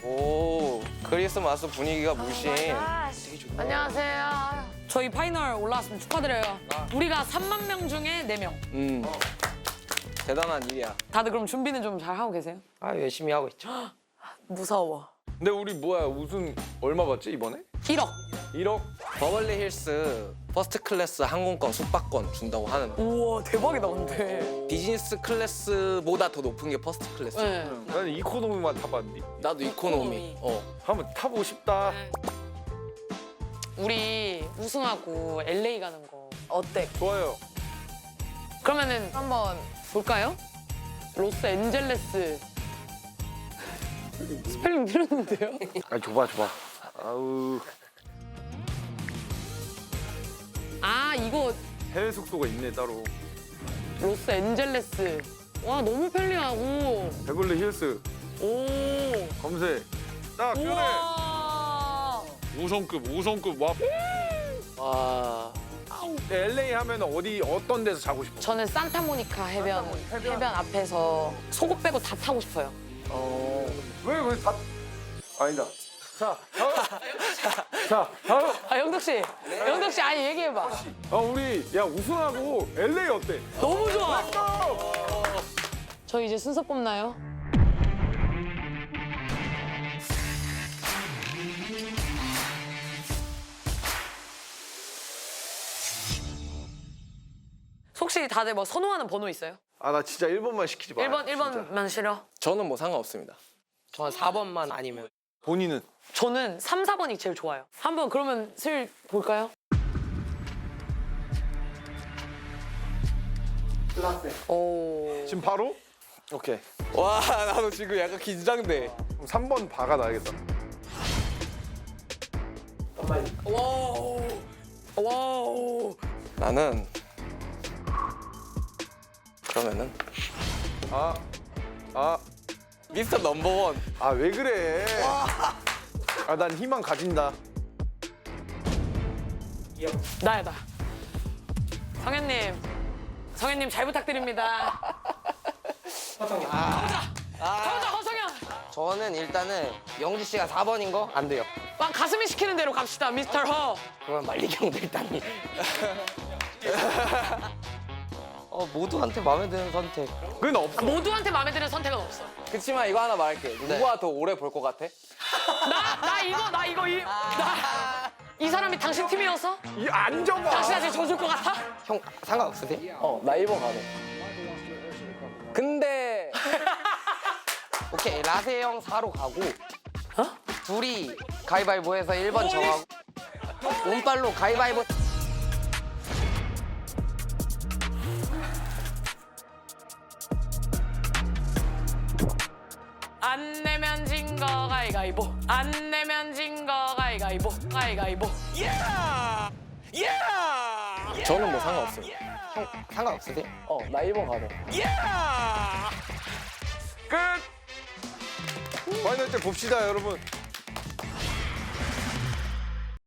오, 크리스마스 분위기가 물씬. 안녕하세요. 저희 파이널 올라왔으면 축하드려요. 우리가 3만 명 중에 4명. 대단한 일이야. 다들 그럼 준비는 좀 잘 하고 계세요? 아, 열심히 하고 있죠. 무서워. 근데 우리 뭐야 우승 얼마 받지 이번에? 1억. 1억? 버벌리 힐스 퍼스트 클래스 항공권 숙박권 준다고 하는데 우와 대박이다 근데. 비즈니스 클래스보다 더 높은 게 퍼스트 클래스. 네. 나는 이코노미만 타봤는데 나도 이코노미. 한번 타보고 싶다. 우리 우승하고 LA 가는 거 어때? 좋아요. 그러면은 한번 볼까요? 로스앤젤레스. 스펠링 틀렸는데요? 아 줘봐. 아우 아 이거 해외 숙소가 있네 따로. 로스앤젤레스. 와 너무 편리하고. 베벌리 힐스 오. 검색. 딱 그래. 우와. 5성급 와. 와. LA 하면 어떤 데서 자고 싶어? 저는 산타모니카 해변 앞에서 속옷 빼고 다 타고 싶어요. 왜 다? 아니다. 자, 다음. 아 영덕 씨, 영덕 씨 아니 얘기해봐. 우리 야 우승하고 LA 어때? 너무 좋아. 저 이제 순서 뽑나요? 혹시 다들 뭐 선호하는 번호 있어요? 아 나 진짜 1번만 시키지 마. 1번만 싫어? 저는 뭐 상관없습니다. 저는 4번만 아니면. 본인은? 저는 3, 4번이 제일 좋아요. 한번 그러면 슬 볼까요? 오. 지금 바로? 오케이. 와, 나도 지금 약간 긴장돼. 그럼 3번 바가 나야겠다. 와우. 와우. 나는 그러면은 미스터 넘버원. 아 왜 그래? 아 난 희망 가진다. 나야 나. 성현님 잘 부탁드립니다. 가보자 허성현. 저는 일단은 영지 씨가 4번인 거 안 돼요. 막 가슴이 시키는 대로 갑시다 미스터 허. 그러면 말리경도 일단이. 모두한테 마음에 드는 선택. 그건 없어. 모두한테 마음에 드는 선택은 없어. 그치만 이거 하나 말할게. 누가 더 오래 볼 것 같아? 이 사람이 당신 팀이어서 안 접어. 당신한테 져줄 것 같아? 형 상관없으세요? 나 1번 가네. 근데 오케이 라세 형 4로 가고 둘이 가위바위보해서 1번 정하고 운빨로 가위바위보. 안 내면 진 거 가위가위보. 안 내면 진 거 가위가위보. 가위가위보. 저는 뭐 상관없어요. 형 상관없으세요? 나 1번 가네. 끝. 파이널 때 봅시다 여러분.